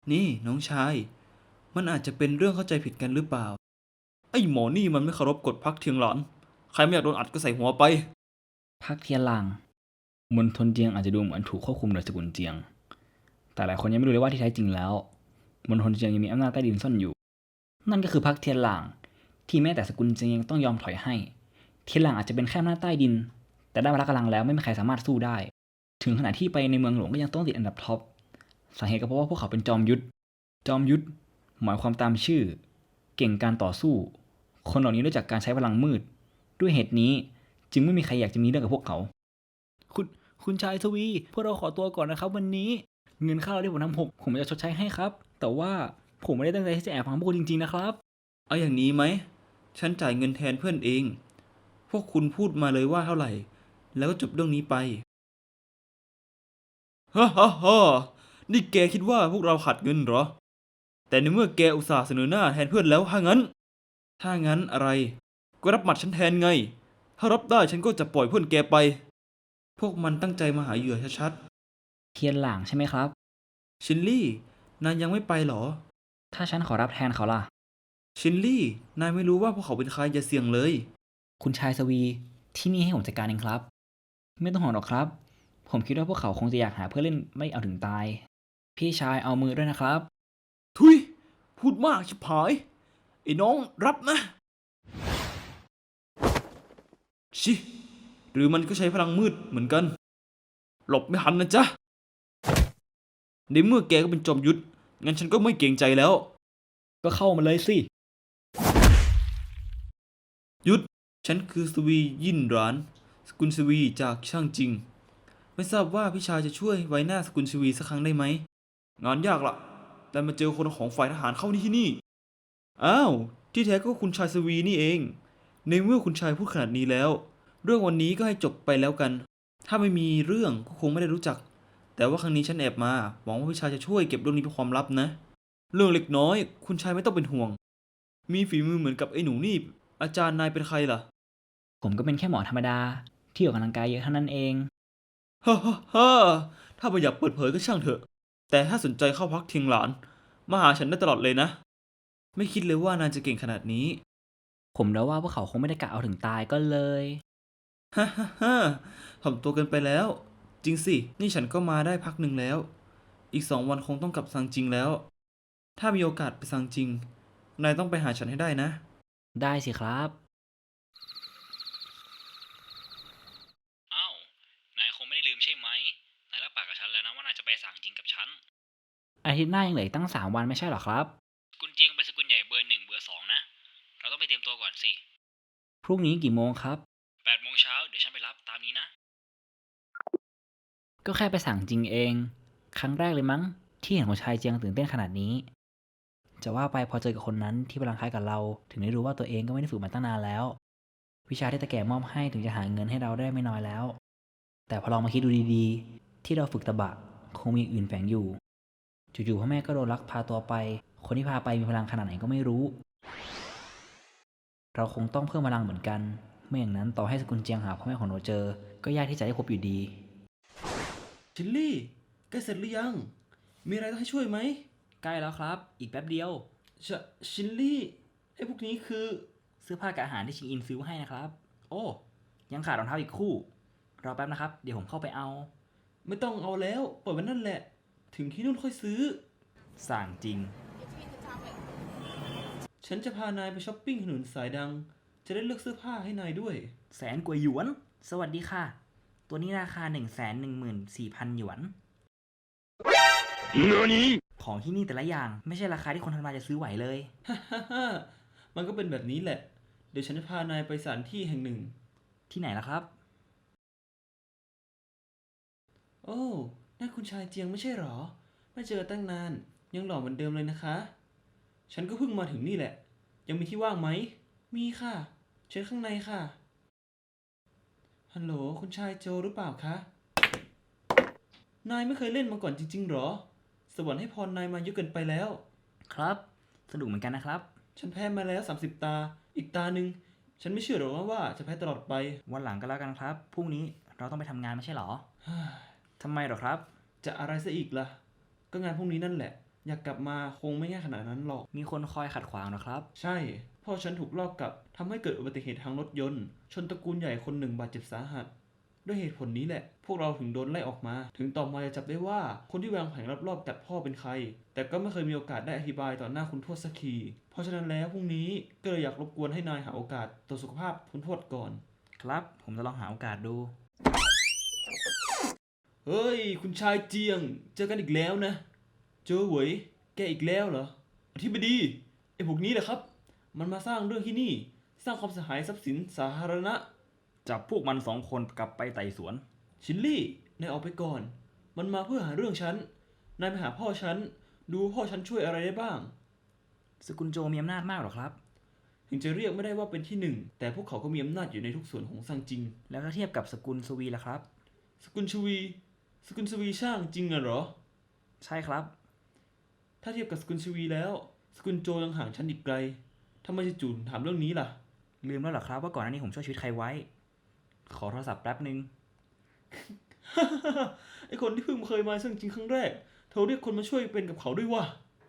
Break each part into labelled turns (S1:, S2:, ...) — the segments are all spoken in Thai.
S1: นี่น้องชาย มันอาจจะเป็นเรื่องเข้าใจผิดกันหรือเปล่า ไอ้หมอนี่มันไม่เคารพกฎพักเทียงหลานใครไม่อยากโดนอัดก็ใส่หัวไป
S2: พักเทียนหลางมณฑลเจียงอาจจะดูเหมือนถูกควบคุมโดยสกุลเจียงแต่หลายคนยังไม่รู้เลยว่าที่แท้จริงแล้วมณฑลเจียงยังมีอำนาจใต้ดินซ่อนอยู่นั่นก็คือพักเทียนหลางที่แม้แต่สกุลเจียงยังต้องยอมถอยให้เทียนหลางอาจจะเป็นแค่อำนาจใต้ดินแต่ได้พละกำลังแล้วไม่มีใครสามารถสู้ได้ถึงขนาดที่ไปในเมืองหลวงก็ยังต้องติดอันดับท็อปสาเหตุก็เพราะว่าพวกเขาเป็นจอมยุทธหมายความตามชื่อเก่งการต่อสู้คนเหล่านี้รู้จักการใช้พลังมืดด้วยเหตุนี้จึงไม่มีใครอยากจะมีเรื่องกับพวกเขา คุณคุณชายทวีพวกเราขอตัวก่อนนะครับวันนี้เงินค่าเราที่ผมทำหกผมจะชดใช้ให้ครับแต่ว่าผมไม่ได้ตั้งใจที่จะแอบฟังพวกคุณจริงๆนะครับ
S1: เอาอย่างนี้ไหม ฉันจ่ายเงินแทนเพื่อนเอง พวกคุณพูดมาเลยว่าเท่าไหร่ แล้วก็จบเรื่องนี้ไปฮ่าฮ่าฮ่านี่แกคิดว่าพวกเราขาดเงินเหรอ แต่ในเมื่อแกอุตส่าห์เสนอหน้าแทนเพื่อนแล้วถ้างั้นอะไร ก็รับหมัดฉันแทนไง ถ้ารับได้ฉันก็จะปล่อยเพื่อนแกไป พวกมันตั้งใจมาหาเหยื่อชัด
S2: เทียนหลางใช่ไหมครับ
S1: ๆชินลี่ นายยังไม่ไปเหรอ
S2: ถ้าฉันขอรับแทนเขาล่ะ
S1: ชินลี่ นายไม่รู้ว่าพวกเขาเป็นใครอย่าเสี่ยงเลย
S2: คุณชายทวีที่นี่ให้ผมจัดการเองครับไม่ต้องห่วงหรอกครับผมคิดว่าพวกเขาคงจะอยากหาเพื่อนเล่นไม่เอาถึงตายพี่ชายเอามือด้วยนะครับ
S1: ทุยพูดมากชิบหาย ไอ้น้องรับนะ ชิหรือมันก็ใช้พลังมืดเหมือนกัน หลบไม่ทันนะจ๊ะในเมื่อแกก็เป็นจอมยุทธงั้นฉันก็ไม่เกรงใจแล้ว
S2: ก็เข้ามาเลยสิ
S1: ยุทธฉันคือสวียินหรานสกุลสวีจากช่างจริง ไม่ทราบว่าพี่ชายจะช่วยไว้หน้าสกุลสวีสักครั้งได้ไหม งานยากละแต่มาเจอคนของฝ่ายทหารเข้าที่นี่ อ้าว ที่แท้ก็คุณชายสวีนี่เอง ในเมื่อคุณชายพูดขนาดนี้แล้ว เรื่องวันนี้ก็ให้จบไปแล้วกัน ถ้าไม่มีเรื่องก็คงไม่ได้รู้จัก แต่ว่าครั้งนี้ฉันแอบมาหวังว่าพี่ชายจะช่วยเก็บเรื่องนี้เป็นความลับนะ เรื่องเล็กน้อย คุณชายไม่ต้องเป็นห่วง มีฝีมือเหมือนกับไอ้หนูนี่ อาจารย์นายเป็นใครล่ะ
S2: ผมก็เป็นแค่หมอธรรมดาที่ออกกำลังกายเยอะเท่านั้นเอง
S1: ฮ่าฮ่าฮ่าถ้าไม่อยากเปิดเผยก็ช่างเถอะ แต่ถ้าสนใจเข้าพักเทียงหลานมาหาฉันได้ตลอดเลยนะ ไม่คิดเลยว่านายจะเก่งขนาดนี้
S2: ผมเดาว่าพวกเขาคงไม่ได้กะเอาถึงตายก็เลย
S1: ฮ่าฮ่าฮ่าถ่อมตัวเกินไปแล้ว จริงสิ นี่ฉันก็มาได้พักหนึ่งแล้ว อีก2 วันคงต้องกลับซังจริงแล้ว ถ้ามีโอกาสไปซังจริง นายต้องไปหาฉันให้ได้นะ
S2: ได้สิครับอ้าวนายคงไม่ได้ลืมใช่ไหมนายรับปากกับฉันแล้วนะว่านายจะไปสั่งจริงกับฉันอาทิตย์หน้ายังเหลืออีกตั้ง3 วันไม่ใช่หรอครับสกุลเจียงเป็นสกุลใหญ่เบอร์ 1เบอร์ 2นะเราต้องไปเตรียมตัวก่อนสิพรุ่งนี้กี่โมงครับ8 โมงเช้าเดี๋ยวฉันไปรับตามนี้นะก็แค่ไปสั่งจริงเองครั้งแรกเลยมั้งที่เห็นคนชายเจียงตื่นเต้นขนาดนี้จะว่าไปพอเจอกับคนนั้นที่พลังคล้ายกับเราถึงได้รู้ว่าตัวเองก็ไม่ได้ฝึกมาตั้งนานแล้ววิชาที่ตาแก่มอบให้ถึงจะหาเงินให้เราได้ไม่น้อยแล้วแต่พอลองมาคิดดูดีๆที่เราฝึกตะบะคงมีอย่างอื่นแฝงอยู่จู่ๆพ่อแม่ก็โดนลักพาตัวไปคนที่พาไปมีพลังขนาดไหนก็ไม่รู้เราคงต้องเพิ่มพลังเหมือนกันไม่อย่างนั้นต่อให้สกุลเจียงหาพ่อแม่ของเราเจอก็ยากที่จะได้พบอยู่ดี
S1: ชิลลี่ใกล้เสร็จหรือยัง มีอะไรต้องให้ช่วยไหม
S2: ใกล้แล้วครับอีกแป๊บเดียว
S1: ชชิลลี่ไอ้พวกนี้คือ
S2: เสื้อผ้ากับอาหารที่ชิงอินซื้อให้นะครับโอ้ยังขาดรองเท้าอีกคู่รอแป๊บนะครับเดี๋ยวผมเข้าไปเอา
S1: ไม่ต้องเอาแล้วปล่อยมันนั่นแหละ ถึงที่นู่นค่อยซื้อ
S2: สั่งจริง
S1: ฉันจะพานายไปช้อปปิ้งถนนสายดัง จะได้เลือกเสื้อผ้าให้นายด้วย
S2: แสนกว่าหยวนสวัสดีค่ะตัวนี้ราคา114,000 หยวนของที่นี่แต่ละอย่างไม่ใช่ราคาที่คนธรรมดาจะซื้อไหวเลย
S1: ฮ่าฮ่าฮ่ามันก็เป็นแบบนี้แหละ เดี๋ยวฉันจะพานายไปสถานที่แห่งหนึ่ง
S2: ที่ไหนล่ะครับ
S1: โอ้นั่นคุณชายเจียงไม่ใช่หรอ ไม่เจอตั้งนาน ยังหล่อเหมือนเดิมเลยนะคะ ฉันก็เพิ่งมาถึงนี่แหละ ยังมีที่ว่างไหม มีค่ะ เชิญข้างในค่ะ ฮัลโหลคุณชายโจหรือเปล่าคะ นายไม่เคยเล่นมาก่อนจริงๆหรอ สวรรค์ให้พรนายมาเยอะเกินไปแล้ว
S2: ครับสนุกเหมือนกันนะครับ
S1: ฉันแพ้มาแล้ว30ตา อีกตาหนึ่งฉันไม่เชื่อหรอกว่าจะแพ้ตลอดไป
S2: วันหลังก็แล้วกันครับพรุ่งนี้เราต้องไปทำงานไม่ใช่หรอทำไมหรอครับ
S1: จะอะไรซะอีกล่ะ ก็งานพวกนี้นั่นแหละอยากกลับมาคงไม่ง่ายขนาดนั้นหรอก
S2: มีคนคอยขัดขวางนะครับ
S1: ใช่ พ่อฉันถูกลอบกลับทำให้เกิดอุบัติเหตุทางรถยนต์ ชนตระกูลใหญ่คนหนึ่งบาดเจ็บสาหัส ด้วยเหตุผลนี้แหละ พวกเราถึงโดนไล่ออกมา ถึงต่อมาจะจับได้ว่าคนที่วางแผนรอบๆกัดพ่อเป็นใคร แต่ก็ไม่เคยมีโอกาสได้อธิบายต่อหน้าคุณทวดสักทีเพราะฉะนั้นแล้วพรุ่งนี้ก็เลยอยากรบกวนให้นายหาโอกาสตรวจสุขภาพคุณทวดก่อน
S2: ครับ ผมจะลองหาโอกาสดู
S1: เฮ้ย คุณชายเจียง เจอกันอีกแล้วนะ เจอเหวยแกอีกแล้วเหรอ อธิบดี ไอ้พวกนี้แหละครับ มันมาสร้างเรื่องที่นี่ สร้างความเสียหายทรัพย์สินสาธารณะ
S2: จับพวกมัน2 คนกลับไปไต่สวน
S1: ชิลลี่ นายออกไปก่อน มันมาเพื่อหาเรื่องฉัน นายไปหาพ่อฉัน ดูพ่อฉันช่วยอะไรได้บ้าง
S2: สกุลโจมีอำนาจมากหรอครับ
S1: ถึงจะเรียกไม่ได้ว่าเป็นที่หนึ่ง แต่พวกเขาก็มีอำนาจอยู่ในทุกส่วนของซังจิง
S2: แล้วถ้าเทียบกับสกุลสวีล่ะครับ
S1: สกุลชวี สกุลชวีช่างจริงอะเหรอ
S2: ใช่ครับ
S1: ถ้าเทียบกับสกุลชวีแล้ว สกุลโจยังห่างฉันอีกไกลทำไมจู่ๆถามเรื่องนี้ล่ะ
S2: ลืมแล้วเหรอครับว่าก่อนหน้านี้ผมช่วยชีวิตใครไว้ ขอโทรศัพท์แป๊บนึง
S1: ไอคนที่เพิ่งเคยมาซึ่งจริงครั้งแรกเธอเรียกคนมาช่วยเป็นกับเขาด้วยวะ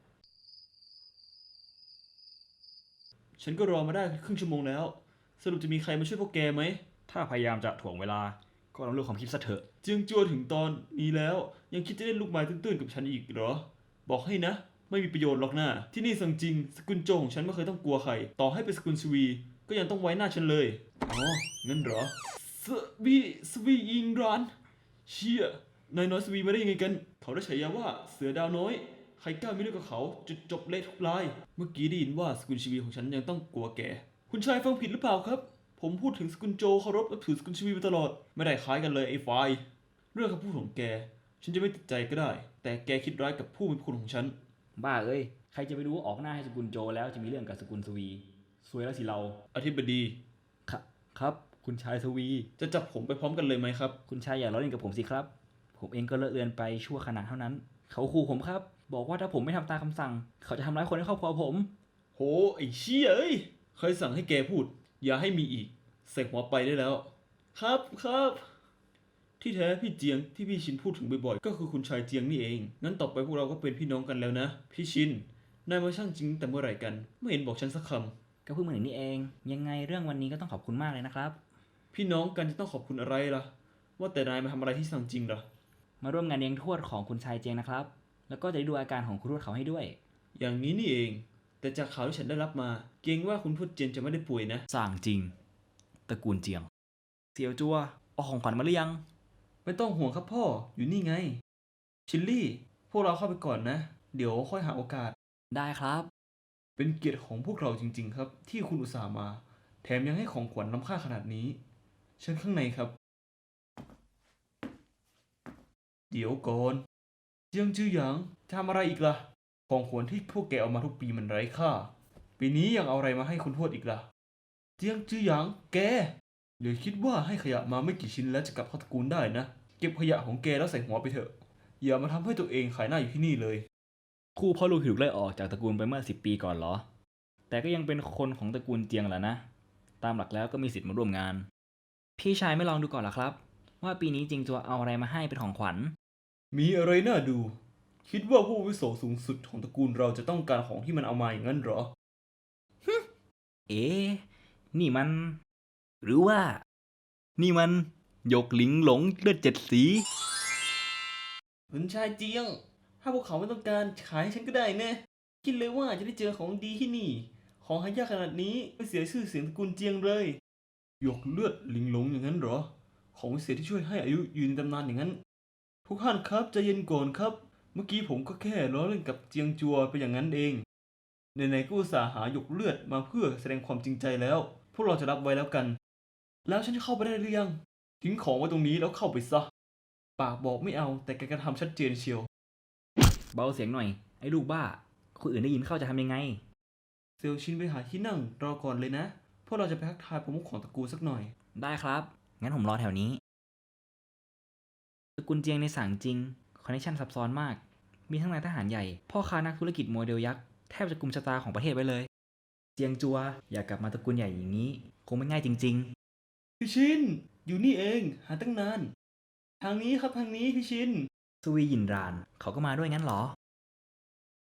S1: ฉันก็รอมาได้ครึ่งชั่วโมงแล้ว สรุปจะมีใครมาช่วยพวกแกไหม
S2: ถ้าพยายามจะถ่วงเวลา ก็ลองเลือกความคิดซะเถอะ
S1: เจียงจัวถึงตอนนี้แล้ว ยังคิดจะเล่นลูกไม้ตื้นๆกับฉันอีกเหรอ บอกให้นะ ไม่มีประโยชน์หรอกนะที่นี่ซังจริง สกุลโจของฉันไม่เคยต้องกลัวใคร ต่อให้เป็นสกุลชวี ก็ยังต้องไว้หน้าฉันเลย อ๋อ งั้นเหรอ สวียิงร้าน เชี่ยนายน้อยสวีมาได้ยังไงกัน เขาได้ฉายาว่าเสือดาวน้อย ใครกล้ามีเรื่องกับเขาจุดจบเละทุกราย เมื่อกี้ได้ยินว่าสกุลชีวีของฉันยังต้องกลัวแก คุณชายฟังผิดหรือเปล่าครับ ผมพูดถึงสกุลโจเคารพนับถือสกุลชีวีมาตลอด ไม่ได้คล้ายกันเลยไอ้ไฟล์เรื่องคำพูดของแก ฉันจะไม่ติดใจก็ได้ แต่แกคิดร้ายกับผู้มีพระคุณของฉัน
S2: บ้าเอ้ย ใครจะไปรู้ว่าออกหน้าให้สกุลโจแล้วจะมีเรื่องกับสกุลสวีซวยแล้วสิเรา
S1: อธิบดี
S2: ครับ คุณชายสวี
S1: จะจับผมไปพร้อมกันเลยไหมครับ
S2: คุณชายอย่าล้อเล่นกับผมสิครับ ผมเองก็เลอะเลือนไปชั่วขณะเท่านั้น เขาขู่ผมครับ บอกว่าถ้าผมไม่ทำตามคำสั่ง เขาจะทำร้ายคนในครอบครัวผม
S1: โห ไอ้เชี่ยเอ้ยใครสั่งให้แกพูด อย่าให้มีอีกใส่หัวไปได้แล้ว ครับครับ ที่แท้พี่เจียงที่พี่ชินพูดถึงบ่อยๆ ก็คือคุณชายเจียงนี่เอง งั้นต่อไปพวกเราก็เป็นพี่น้องกันแล้วนะ พี่ชิน นายมาช่างจริงแต่เมื่อไหร่กัน ไม่เห็นบอกฉันสักค
S2: ก็เพิ่งมาถึงนี่เอง ยังไงเรื่องวันนี้ก็ต้องขอบคุณมากเลยนะครับ
S1: ำ พี่น้องกันจะต้องขอบคุณอะไรล่ะ ว่าแต่นายมาทำอะไรที่สั่งจริงเหรอ
S2: มาร่วมงานเลี้ยงทวดของคุณชายเจงนะครับ แล้วก็จะได้ดูอาการของคุณทวดเขาให้ด้วย
S1: อย่างนี้นี่เอง แต่จากข่าวที่ฉันได้รับมา เกรงว่าคุณทวดเจียนจะไม่ได้ป่วยนะ
S2: สั่งจริง ตระกูลเจียง เสี่ยวจัวเอาของขวัญมาหรือยัง
S1: ไม่ต้องห่วงครับพ่อ อยู่นี่ไง ชิลลี่ พวกเราเข้าไปก่อนนะ เดี๋ยวค่อยหาโอกาส
S2: ได้ครับ
S1: เป็นเกียรติของพวกเราจริง ๆ ครับ ที่คุณอุตส่าห์มา แถมยังให้ของขวัญล้ำค่าขนาดนี้ เชิญข้างในครับ เดี๋ยวก่อนเจียงจื้อหยางจะทำอะไรอีกล่ะ ของขวัญที่พวกแกเอามาทุกปีมันไร้ค่า ปีนี้ยังเอาอะไรมาให้คุณทวดอีกล่ะ เจียงจื้อหยางแกอย่าคิดว่าให้ขยะมาไม่กี่ชิ้นแล้วจะกลับเข้าตระกูลได้นะ เก็บขยะของแกแล้วใส่หัวไปเถอะ อย่ามาทำให้ตัวเองขายหน้าอยู่ที่นี่เลย
S2: คู่พ่อลูกถูกไล่ออกจากตระกูลไปเมื่อ10 ปีก่อนเหรอ แต่ก็ยังเป็นคนของตระกูลเจียงแหละนะ ตามหลักแล้วก็มีสิทธิ์มาร่วมงาน พี่ชายไม่ลองดูก่อนเหรอครับ ว่าปีนี้จริงจัวเอาอะไรมาให้เป็นของขวัญ
S1: มีอะไรน่าดู คิดว่าผู้อาวุโสสูงสุดของตระกูลเราจะต้องการของที่มันเอามาอย่างนั้นเหรอ
S2: เอ๊ะนี่มัน หรือว่า นี่มันหยกหลิงหลงเลือด7 สี
S1: คุณชายเจียง ถ้าพวกเขาไม่ต้องการขายให้ฉันก็ได้นะ คิดเลยว่าจะได้เจอของดีที่นี่ ของหายากขนาดนี้ไม่เสียชื่อเสียงตระกูลเจียงเลย หยกเลือดลิงหลงอย่างนั้นเหรอ ของวิเศษที่ช่วยให้อายุยืนตำนานอย่างนั้น ทุกท่านครับใจเย็นก่อนครับ เมื่อกี้ผมก็แค่ล้อเล่นกับเจียงจัวไปอย่างนั้นเองไหนๆก็อุตส่าห์หาหยกเลือดมาเพื่อแสดงความจริงใจแล้ว พวกเราจะรับไว้แล้วกัน แล้วฉันจะเข้าไปได้หรือยัง ทิ้งของไว้ตรงนี้แล้วเข้าไปซะ ปากบอกไม่เอาแต่การกระทำชัดเจนเชียว
S2: เบาเสียงหน่อย ไอ้ลูกบ้า คนอื่นได้ยินเข้าจะทำยังไง
S1: เซลชินไปหาที่นั่งรอก่อนเลยนะ พวกเราจะไปทักทายประมุขของตระกูลสักหน่อย
S2: ได้ครับ งั้นผมรอแถวนี้ ตระกูลเจียงในสางจริง คอนเนคชั่นซับซ้อนมาก มีทั้งนายทหารใหญ่ พ่อค้านักธุรกิจโมเดลยักษ์ แทบจะกุมชะตาของประเทศไว้เลย เจียงจัว อยากกลับมาตระกูลใหญ่อย่างนี้ คงไม่ง่ายจริง
S1: พี่ชิน อยู่นี่เอง หาตั้งนาน ทางนี้ครับทางนี้พี่ชิน
S2: ๆ สวีหยินราน เขาก็มาด้วยงั้นเหรอ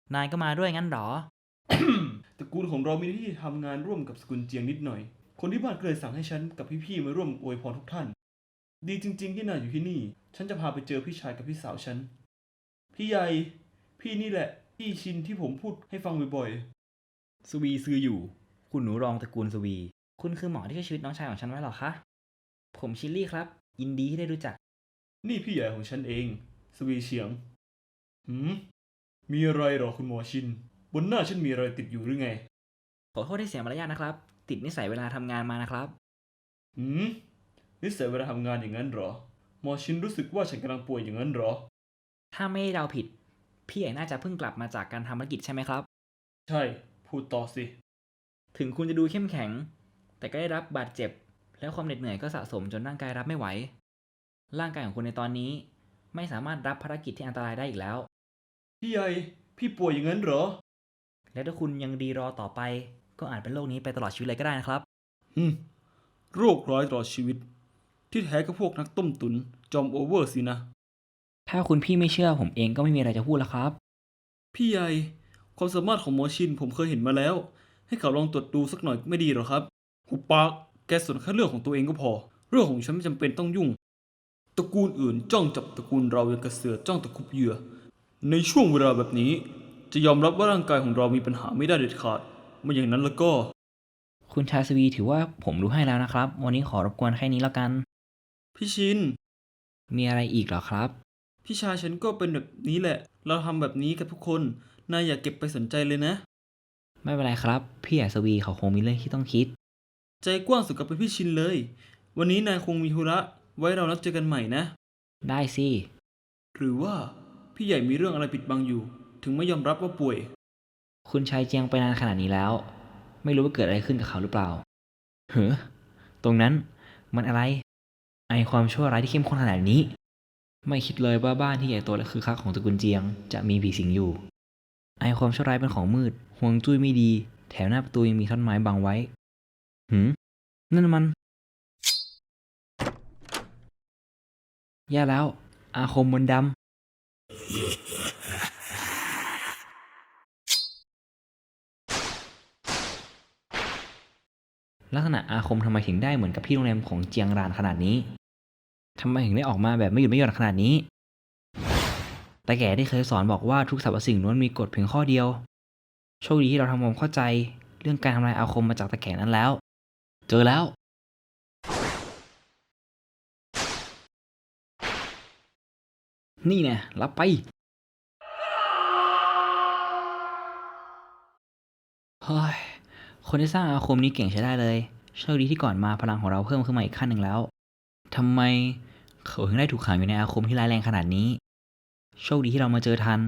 S2: นายก็มาด้วยงั้นหรอ
S1: ตระกูลของเรามีหน้าที่ทำงานร่วมกับสกุลเจียงนิดหน่อย คนที่บ้านก็เลยสั่งให้ฉันกับพี่ๆมาร่วมอวยพรทุกท่าน ดีจริงๆที่นายอยู่ที่นี่ ฉันจะพาไปเจอพี่ชายกับพี่สาวฉัน พี่ใหญ่ พี่นี่แหละ พี่ชินที่ผมพูดให้ฟังบ่อย
S2: สวีซืออยู่ คุณหนูรองตระกูลสวี คุณคือหมอที่ช่วยชีวิตน้องชายของฉันไว้หรอคะ ผมชิลลี่ครับ ยินดีที่ได้รู้จัก
S1: ๆ นี่พี่ใหญ่ของฉันเอง สวีเฉียง มีอะไรหรอคุณหมอชิน บนหน้าฉันมีอะไรติดอยู่หรือไง
S2: ขอโทษที่เสียมารยาทนะครับ ติดนิสัยเวลาทำงานมานะครับ
S1: นิสัยเวลาทำงานอย่างนั้นเหรอ หมอชินรู้สึกว่าฉันกำลังป่วยอย่างนั้นเหรอ
S2: ถ้าไม่ได้เดาผิด พี่ใหญ่น่าจะเพิ่งกลับมาจากการทำภารกิจใช่ไหมครับ
S1: ใช่ พูดต่อสิ
S2: ถึงคุณจะดูเข้มแข็ง แต่ก็ได้รับบาดเจ็บ แล้วความเหน็ดเหนื่อยก็สะสมจนร่างกายรับไม่ไหว ร่างกายของคุณในตอนนี้ ไม่สามารถรับภารกิจที่อันตรายได้อีกแล้ว
S1: พี่ใหญ่ พี่ป่วยอย่างนั้นเหรอ
S2: และถ้าคุณยังดีรอต่อไป ก็อาจเป็นโรคนี้ไปตลอดชีวิตเลยก็ได้นะครับ
S1: โรคร้ายตลอดชีวิต ที่แท้ก็พวกนักต้มตุนจอมโอเวอร์สินะ
S2: ถ้าคุณพี่ไม่เชื่อผมเองก็ไม่มีอะไรจะพูดแล้วครับ
S1: พี่ใหญ่ ความสามารถของหมอชินผมเคยเห็นมาแล้ว ให้เขาลองตรวจดูสักหน่อยไม่ดีหรอครับหุบปาก แกสนแค่เรื่องของตัวเองก็พอ เรื่องของฉันไม่จำเป็นต้องยุ่ง ตระกูลอื่นจ้องจับตระกูลเราอย่างกระเสือจ้องตะคุบเหยื่อ ในช่วงเวลาแบบนี้ จะยอมรับว่าร่างกายของเรามีปัญหาไม่ได้เด็ดขาดไม่อย่างนั้นแล้วก็
S2: คุณชายสวีถือว่าผมรู้ให้แล้วนะครับ วันนี้ขอรบกวนแค่นี้แล้วกัน
S1: พี่ชิน
S2: มีอะไรอีกเหรอครับ
S1: พี่ชายฉันก็เป็นแบบนี้แหละ เราทำแบบนี้กับทุกคน นายอย่าเก็บไปสนใจเลยนะ
S2: ไม่เป็นไรครับ พี่ใหญ่สวีเขาคงมีเรื่องที่ต้องคิด
S1: ใจกว้างสุดกับเป็นพี่ชินเลย วันนี้นายคงมีธุระ ไว้เรานัดเจอกันใหม่นะ
S2: ได้สิ
S1: หรือว่าพี่ใหญ่มีเรื่องอะไรปิดบังอยู่ ถึงไม่ยอมรับว่าป่วย
S2: คุณชายเจียงไปนานขนาดนี้แล้ว ไม่รู้ว่าเกิดอะไรขึ้นกับเขาหรือเปล่าเฮ้อตรงนั้นมันอะไร ไอความชั่วร้ายที่เข้มข้นขนาดนี้ ไม่คิดเลยว่าบ้านที่ใหญ่โตและคือคักของตระกูลเจียงจะมีผีสิงอยู่ ไอความชั่วร้ายเป็นของมืดห่วงจุ้ยไม่ดี แถวหน้าประตูยังมีท่อนไม้บังไว้นั่นมันแย่แล้ว อาคมมนต์ดำลักษณะอาคมทำไมถึงได้เหมือนกับที่โรงแรมของเจียงรานขนาดนี้ทำไมถึงได้ออกมาแบบไม่หยุดไม่หย่อนขนาดนี้ แต่แก่ที่เคยสอนบอกว่าทุกสรรพสิ่งล้วนมีกฎเพียงข้อเดียว โชคดีที่เราทำความเข้าใจเรื่องการทำลายอาคมมาจากตะแก่นั้นแล้ว เจอแล้ว นี่แน่รับไปเฮ้ยคนที่สร้างอาคมนี้เก่งใช้ได้เลย โชคดีที่ก่อนมาพลังของเราเพิ่มขึ้นมาอีกขั้นหนึ่งแล้วทำไมเขาถึงได้ถูกขังอยู่ในอาคมที่ร้ายแรงขนาดนี้ โชคดีที่เรามาเจอทัน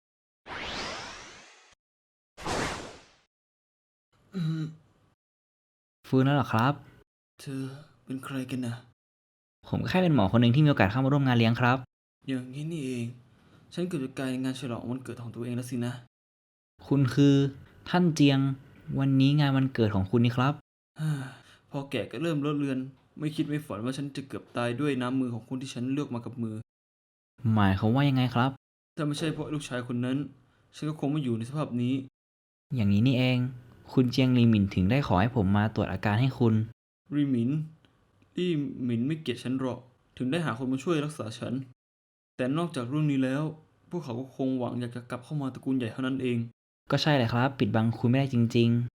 S2: ฟื้นแล้วเหรอครับ
S1: เธอเป็นใครกันนะ
S2: ผมก็แค่เป็นหมอคนหนึ่งที่มีโอกาสเข้ามาร่วมงานเลี้ยงครับ
S1: อย่างนี้นี่เอง ฉันเกือบจะกลายงานฉลองวันเกิดของตัวเองแล้วสินะ
S2: คุณคือท่านเจียง วันนี้งานวันเกิดของคุณนี่ครับ
S1: พอแก่ก็เริ่มลดเลือน ไม่คิดไม่ฝันว่าฉันจะเกือบตายด้วยน้ำมือของคนที่ฉันเลือกมากับมือ
S2: หมายเขามว่ายังไงครับ
S1: ถ้าไม่ใช่เพราะลูกชายคนนั้น ฉันก็คงไม่อยู่ในสภาพนี้
S2: อย่างนี้นี่เอง คุณเจียงลีหมินถึงได้ขอให้ผมมาตรวจอาการให้คุณ
S1: รีหมินรี่หมินไม่เกลียดฉันหรอก ถึงได้หาคนมาช่วยรักษาฉัน แต่นอกจากเรื่องนี้แล้ว พวกเขาก็คงหวังอยากจะกลับเข้ามาตระกูลใหญ่เท่านั้นเอง
S2: ก็ใช่แหละครับ ปิดบังคุณไม่ได้จริง